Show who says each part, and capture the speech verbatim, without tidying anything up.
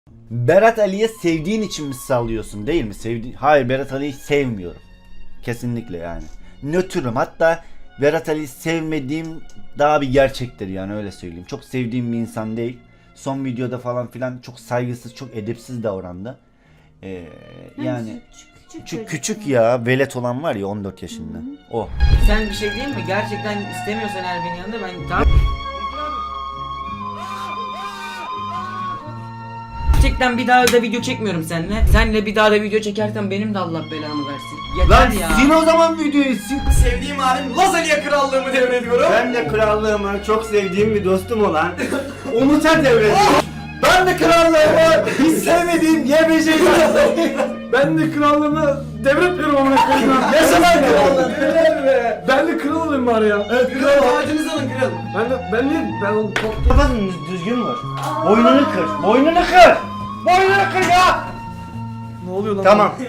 Speaker 1: Berat Ali'ye sevdiğin için mi sallıyorsun değil mi? Sevdi Hayır, Berat Ali'yi sevmiyorum. Kesinlikle yani. Nötrüm. Hatta Berat Ali'yi sevmediğim daha bir gerçektir yani, öyle söyleyeyim. Çok sevdiğim bir insan değil. Son videoda falan filan çok saygısız, çok edepsiz davrandı. Ee, yani
Speaker 2: küçük,
Speaker 1: küçük, küçük ya, velet olan var ya on dört yaşında. Hı-hı. O.
Speaker 3: Sen bir şey değil mi? Gerçekten istemiyorsan eğer beni yanında ben tamam. Gerçekten bir daha da video çekmiyorum seninle. Senle bir daha da video çekersen benim de Allah belamı versin. Yeter
Speaker 1: Lan
Speaker 3: ya.
Speaker 1: sil o zaman videoyu, sil.
Speaker 4: Sevdiğim halim Lazanya krallığımı devrediyorum.
Speaker 5: Ben de krallığımı çok sevdiğim bir dostum olan Umut'a devrediyorum.
Speaker 4: Ben de krallığımı hiç sevmediğim Y B C'yi
Speaker 5: Ben de krallığımı devretmiyorum amına koyayım.
Speaker 4: Ne zaman krallığım?
Speaker 5: Ben de kral olayım bari ya.
Speaker 4: Evet kral ağacınızı alın kral.
Speaker 5: Ben de ben niye ben onu
Speaker 1: Kafasını düzgün vur. Boynunu kır. Boynunu kır. Boynunu kır ya.
Speaker 5: ne oluyor lan?
Speaker 1: Tamam.